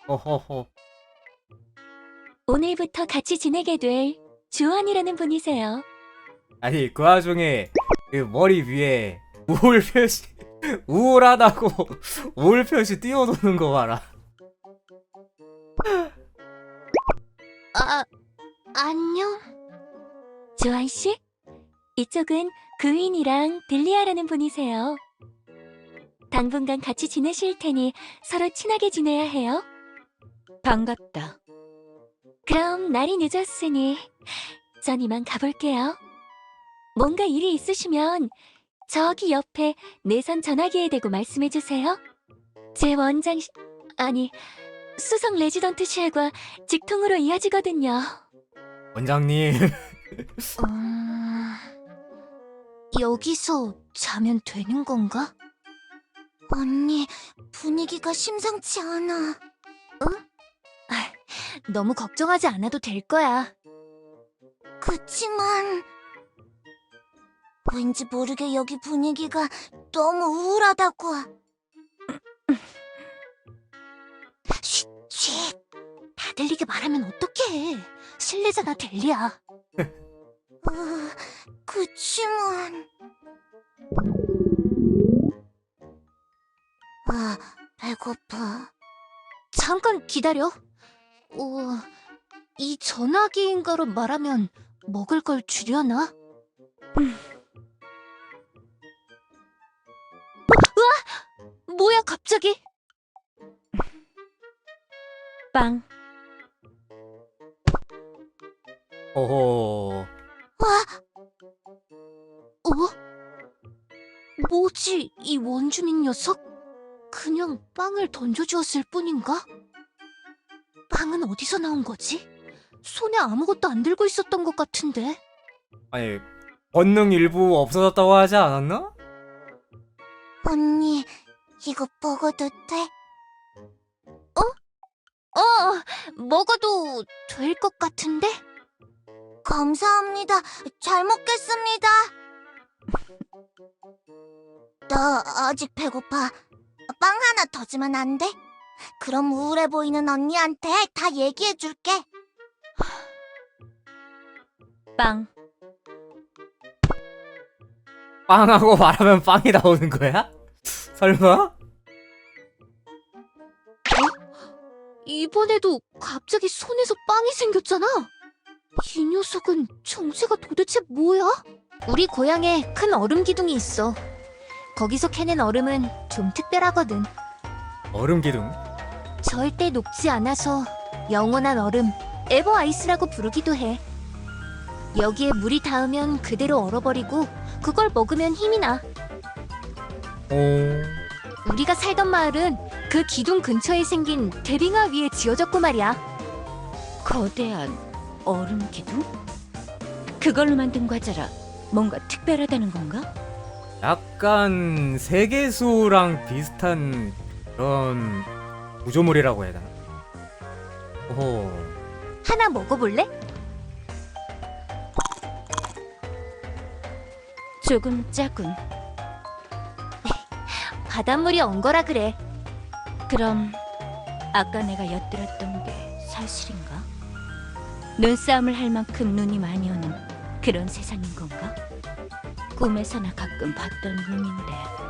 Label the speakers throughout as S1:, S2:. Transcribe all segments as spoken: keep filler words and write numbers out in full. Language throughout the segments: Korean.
S1: 어허허.
S2: 오늘부터 같이 지내게 될 주원이라는 분이세요.
S1: 아니 그 와중에 그 머리 위에 우울 표시 우울하다고 우울 표시 띄워놓는 거 봐라.
S2: 아, 안녕. 주원 씨? 이쪽은 그윈이랑 빌리아라는 분이세요. 당분간 같이 지내실 테니 서로 친하게 지내야 해요. 반갑다. 그럼 날이 늦었으니 전 이만 가볼게요. 뭔가 일이 있으시면 저기 옆에 내선 전화기에 대고 말씀해주세요. 제 원장실, 아니 수석 레지던트실과 직통으로 이어지거든요.
S1: 원장님.
S2: 음... 여기서 자면 되는 건가? 언니, 분위기가 심상치 않아. 응? 아, 너무 걱정하지 않아도 될 거야. 그치만... 왠지 모르게 여기 분위기가 너무 우울하다고. 쉿, 쉿. 다 들리게 말하면 어떡해. 실례잖아, 델리야. 어, 그치만... 아, 배고파. 잠깐 기다려. 어, 이 전화기인가로 말하면 먹을 걸 주려나? 음. 으아! 뭐야 갑자기? 빵.
S1: 어허.
S2: 어? 뭐지 이 원주민 녀석? 그냥 빵을 던져주었을 뿐인가? 빵은 어디서 나온 거지? 손에 아무것도 안 들고 있었던 것 같은데.
S1: 아니 권능 일부 없어졌다고 하지 않았나?
S2: 언니, 이거 먹어도 돼? 어? 어, 먹어도 될 것 같은데? 감사합니다. 잘 먹겠습니다. 나 아직 배고파. 빵 하나 더 주면 안 돼? 그럼 우울해 보이는 언니한테 다 얘기해줄게. 빵.
S1: 빵하고 말하면 빵이 나오는 거야? 설마?
S2: 이번에도 갑자기 손에서 빵이 생겼잖아. 이 녀석은 정체가 도대체 뭐야? 우리 고향에 큰 얼음 기둥이 있어. 거기서 캐낸 얼음은 좀 특별하거든.
S1: 얼음 기둥?
S2: 절대 녹지 않아서 영원한 얼음, 에버 아이스라고 부르기도 해. 여기에 물이 닿으면 그대로 얼어버리고 그걸 먹으면 힘이 나.
S1: 오.
S2: 우리가 살던 마을은 그 기둥 근처에 생긴 대빙하 위에 지어졌고 말이야. 거대한 얼음 기둥? 그걸로 만든 과자라 뭔가 특별하다는 건가?
S1: 약간 세계수랑 비슷한 그런 구조물이라고 해야 되나? 오호.
S2: 하나 먹어볼래? 조금 짜군. 바닷물이 언 거라 그래. 그럼 아까 내가 엿들었던 게 사실인가? 눈싸움을 할 만큼 눈이 많이 오는 그런 세상인 건가? 꿈에서나 가끔 봤던 눈인데.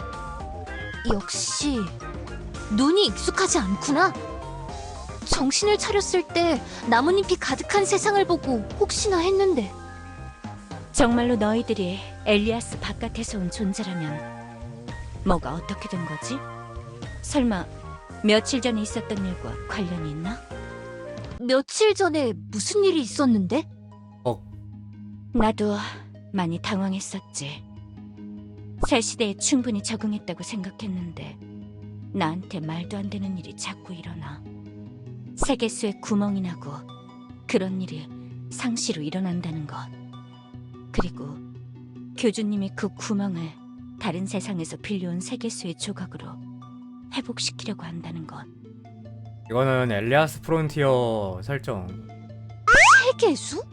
S2: 역시 눈이 익숙하지 않구나. 정신을 차렸을 때 나뭇잎이 가득한 세상을 보고 혹시나 했는데. 정말로 너희들이 엘리아스 바깥에서 온 존재라면 뭐가 어떻게 된 거지? 설마 며칠 전에 있었던 일과 관련이 있나? 며칠 전에 무슨 일이 있었는데?
S1: 어.
S2: 나도 많이 당황했었지. 새 시대에 충분히 적응했다고 생각했는데 나한테 말도 안 되는 일이 자꾸 일어나. 세계수에 구멍이 나고 그런 일이 상시로 일어난다는 것. 그리고 교주님이 그 구멍을 다른 세상에서 빌려온 세계수의 조각으로 회복시키려고 한다는 것.
S1: 이거는 엘리아스 프론티어 설정.
S2: 세계수?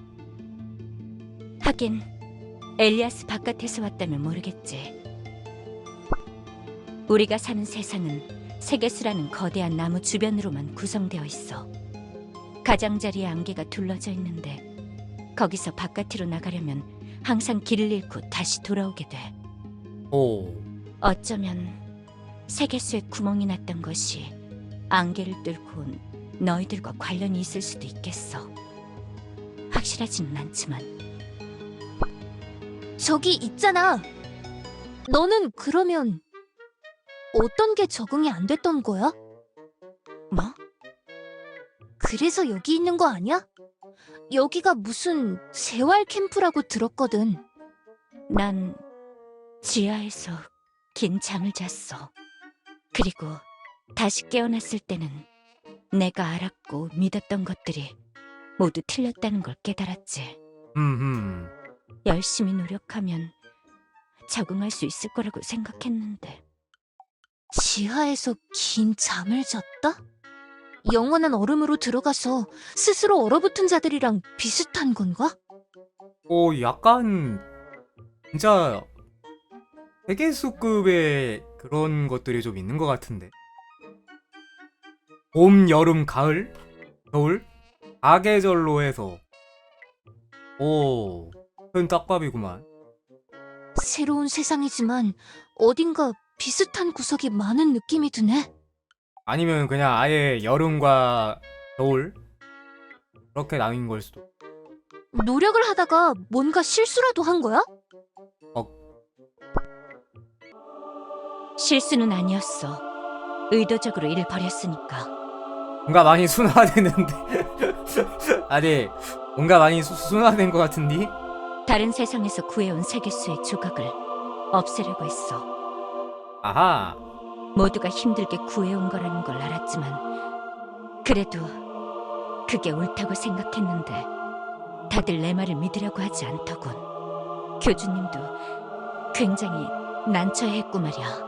S2: 하긴 엘리아스 바깥에서 왔다면 모르겠지. 우리가 사는 세상은 세계수라는 거대한 나무 주변으로만 구성되어 있어. 가장자리에 안개가 둘러져 있는데 거기서 바깥으로 나가려면 항상 길을 잃고 다시 돌아오게 돼.
S1: 오.
S2: 어쩌면 세계수에 구멍이 났던 것이 안개를 뚫고 온 너희들과 관련이 있을 수도 있겠어. 확실하지는 않지만. 저기 있잖아. 너는 그러면 어떤 게 적응이 안 됐던 거야? 뭐? 그래서 여기 있는 거 아니야? 여기가 무슨 재활 캠프라고 들었거든. 난 지하에서 긴 잠을 잤어. 그리고 다시 깨어났을 때는 내가 알았고 믿었던 것들이 모두 틀렸다는 걸 깨달았지.
S1: 음.
S2: 열심히 노력하면 적응할 수 있을 거라고 생각했는데. 지하에서 긴 잠을 잤다? 영원한 얼음으로 들어가서 스스로 얼어붙은 자들이랑 비슷한 건가?
S1: 오, 약간 진짜 세계수급의 그런 것들이 좀 있는 것 같은데. 봄, 여름, 가을, 겨울, 사계절로 해서. 오, 큰 떡밥이구만.
S2: 새로운 세상이지만 어딘가 비슷한 구석이 많은 느낌이 드네.
S1: 아니면 그냥 아예 여름과 겨울 그렇게 나뉜 걸 수도.
S2: 노력을 하다가 뭔가 실수라도 한 거야?
S1: 어.
S2: 실수는 아니었어. 의도적으로 일을 벌였으니까.
S1: 뭔가 많이 순화되는데. 아니, 뭔가 많이 수, 순화된 것 같은데?
S2: 다른 세상에서 구해온 세계수의 조각을 없애려고 했어.
S1: 아하.
S2: 모두가 힘들게 구해온 거라는 걸 알았지만 그래도 그게 옳다고 생각했는데 다들 내 말을 믿으려고 하지 않더군. 교주님도 굉장히 난처해했고 말이야.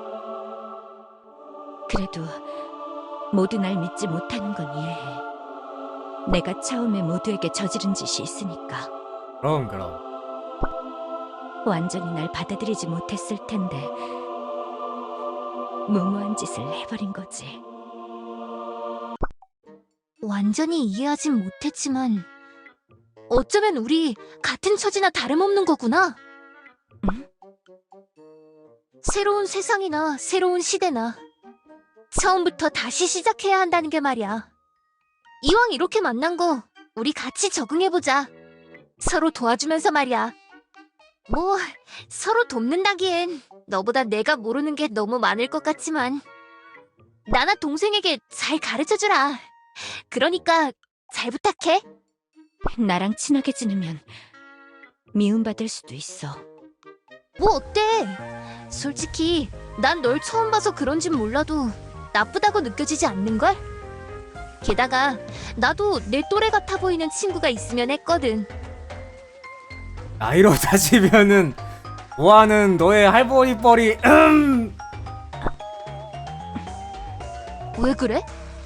S2: 그래도 모두 날 믿지 못하는 건 이해해. 내가 처음에 모두에게 저지른 짓이 있으니까.
S1: 그럼 그럼.
S2: 완전히 날 받아들이지 못했을 텐데 무모한 짓을 해버린 거지. 완전히 이해하진 못했지만 어쩌면 우리 같은 처지나 다름없는 거구나. 응? 새로운 세상이나 새로운 시대나 처음부터 다시 시작해야 한다는 게 말이야. 이왕 이렇게 만난 거 우리 같이 적응해보자. 서로 도와주면서 말이야. 뭐 서로 돕는다기엔 너보다 내가 모르는 게 너무 많을 것 같지만 나나 동생에게 잘 가르쳐주라. 그러니까 잘 부탁해. 나랑 친하게 지내면 미움받을 수도 있어. 뭐 어때? 솔직히 난 널 처음 봐서 그런진 몰라도 나쁘다고 느껴지지 않는걸? 게다가 나도 내 또래 같아 보이는 친구가 있으면 했거든.
S1: 나이로 따지면은 뭐하는 너의 할머니 뻘이 음.
S2: 왜 그래?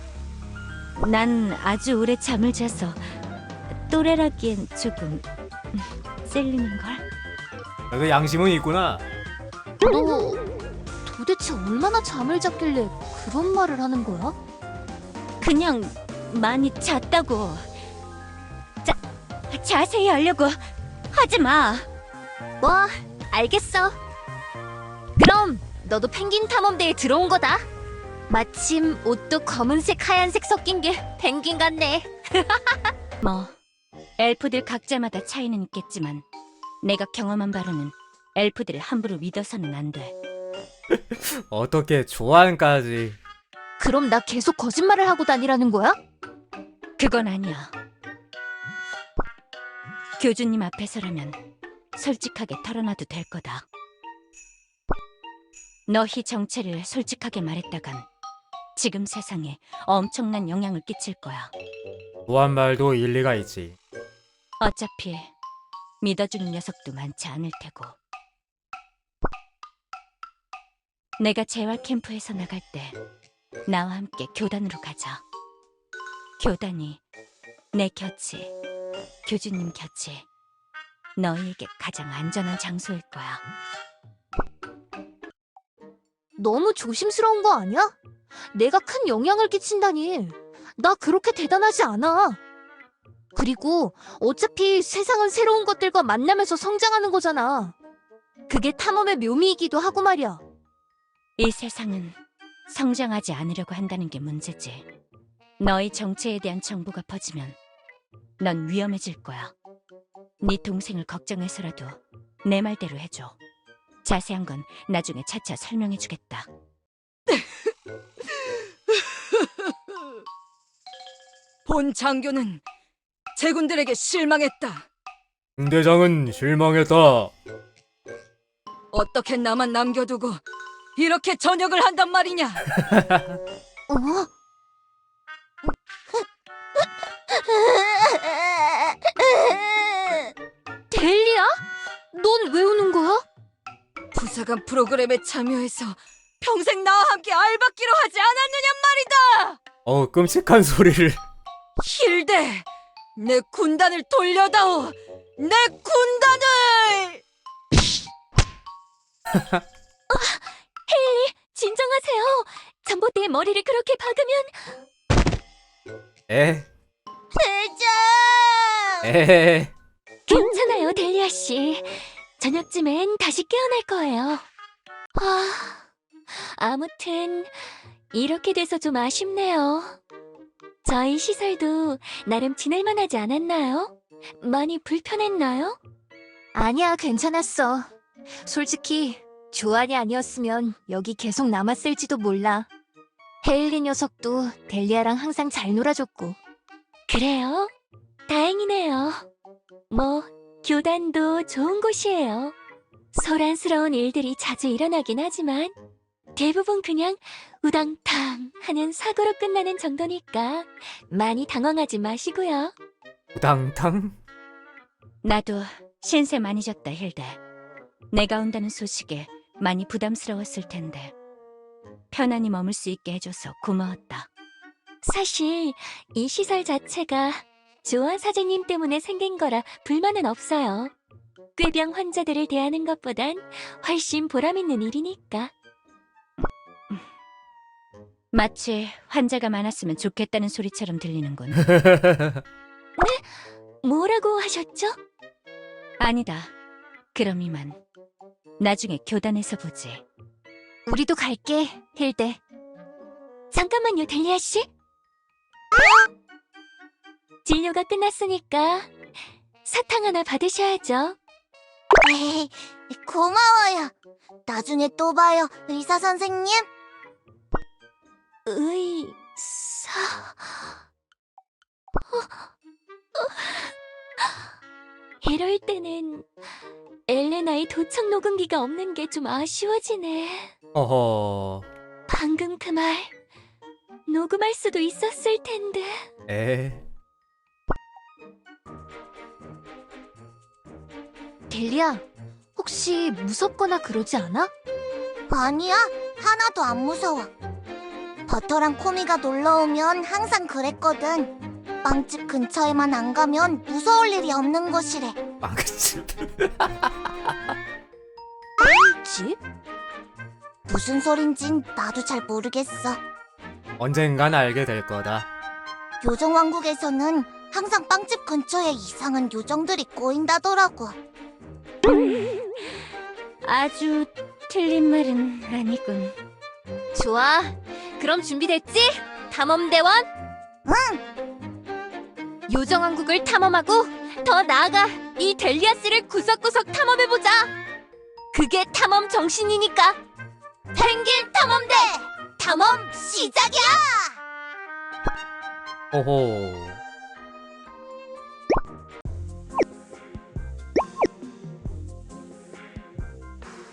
S2: 난 아주 오래 잠을 자서 또래라기엔 조금 찔리는걸?
S1: 너도 양심은 있구나.
S2: 너 도대체 얼마나 잠을 잤길래 그런 말을 하는 거야? 그냥 많이 잤다고. 자, 자세히 하려고 하지 마. 뭐, 알겠어. 그럼 너도 펭귄 탐험대에 들어온 거다. 마침 옷도 검은색, 하얀색 섞인 게 펭귄 같네. 뭐, 엘프들 각자마다 차이는 있겠지만 내가 경험한 바로는 엘프들을 함부로 믿어서는 안 돼.
S1: 어떻게 조안까지.
S2: 그럼 나 계속 거짓말을 하고 다니라는 거야? 그건 아니야. 교주님 앞에서라면 솔직하게 털어놔도 될 거다. 너희 정체를 솔직하게 말했다간 지금 세상에 엄청난 영향을 끼칠 거야.
S1: 조안 말도 일리가 있지.
S2: 어차피 믿어주는 녀석도 많지 않을 테고. 내가 재활 캠프에서 나갈 때 나와 함께 교단으로 가자. 교단이 내 곁이, 교주님 곁이 너희에게 가장 안전한 장소일 거야. 너무 조심스러운 거 아니야? 내가 큰 영향을 끼친다니. 나 그렇게 대단하지 않아. 그리고 어차피 세상은 새로운 것들과 만나면서 성장하는 거잖아. 그게 탐험의 묘미이기도 하고 말이야.
S3: 이 세상은 성장하지 않으려고 한다는 게 문제지. 너의 정체에 대한 정보가 퍼지면 넌 위험해질 거야. 네 동생을 걱정해서라도 내 말대로 해줘. 자세한 건 나중에 차차 설명해주겠다.
S4: 본 장교는 제군들에게 실망했다.
S1: 중대장은 실망했다.
S4: 어떻게 나만 남겨두고 이렇게 전역을 한단 말이냐?
S2: 어? 델리야? 넌 왜 우는 거야?
S4: 부사관 프로그램에 참여해서 평생 나와 함께 알받기로 하지 않았느냐 말이다!
S1: 어, 끔찍한 소리를.
S4: 힐대! 내 군단을 돌려다오! 내 군단을!
S2: 진정하세요. 전봇대에 머리를 그렇게 박으면.
S1: 에?
S2: 대장!
S1: 에?
S2: 괜찮아요, 델리아 씨. 저녁쯤엔 다시 깨어날 거예요. 아, 아무튼 이렇게 돼서 좀 아쉽네요. 저희 시설도 나름 지낼만하지 않았나요? 많이 불편했나요? 아니야, 괜찮았어. 솔직히 조안이 아니었으면 여기 계속 남았을지도 몰라. 헤일리 녀석도 델리아랑 항상 잘 놀아줬고. 그래요? 다행이네요. 뭐 교단도 좋은 곳이에요. 소란스러운 일들이 자주 일어나긴 하지만 대부분 그냥 우당탕 하는 사고로 끝나는 정도니까 많이 당황하지 마시고요.
S1: 우당탕?
S3: 나도 신세 많이 졌다, 힐데. 내가 온다는 소식에 많이 부담스러웠을 텐데 편안히 머물 수 있게 해줘서 고마웠다.
S2: 사실 이 시설 자체가 조안 사장님 때문에 생긴 거라 불만은 없어요. 꾀병 환자들을 대하는 것보단 훨씬 보람있는 일이니까.
S3: 마치 환자가 많았으면 좋겠다는 소리처럼 들리는군.
S2: 뭐라고 하셨죠?
S3: 아니다. 그럼 이만. 나중에 교단에서 보지.
S2: 우리도 갈게, 힐데. 잠깐만요, 델리아 씨. 진료가 끝났으니까 사탕 하나 받으셔야죠.
S5: 에이, 고마워요. 나중에 또 봐요, 의사 선생님.
S2: 의사... 이럴 때는 엘레나의 도청 녹음기가 없는 게 좀 아쉬워지네.
S1: 어허.
S2: 방금 그 말 녹음할 수도 있었을 텐데.
S1: 에?
S2: 델리야, 혹시 무섭거나 그러지 않아?
S5: 아니야, 하나도 안 무서워. 버터랑 코미가 놀러오면 항상 그랬거든. 빵집 근처에만 안 가면 무서울 일이 없는 곳이래.
S1: 망치.
S2: 집?
S5: 무슨 소린진 나도 잘 모르겠어.
S1: 언젠간 알게 될 거다.
S5: 요정왕국에서는 항상 빵집 근처에 이상한 요정들이 꼬인다더라고.
S3: 아주 틀린 말은 아니군.
S2: 좋아, 그럼 준비됐지? 탐험대원?
S5: 응!
S2: 요정왕국을 탐험하고 더 나아가 이 델리아스를 구석구석 탐험해보자. 그게 탐험 정신이니까. 펭귄 탐험대 탐험 시작이야.
S1: 오호.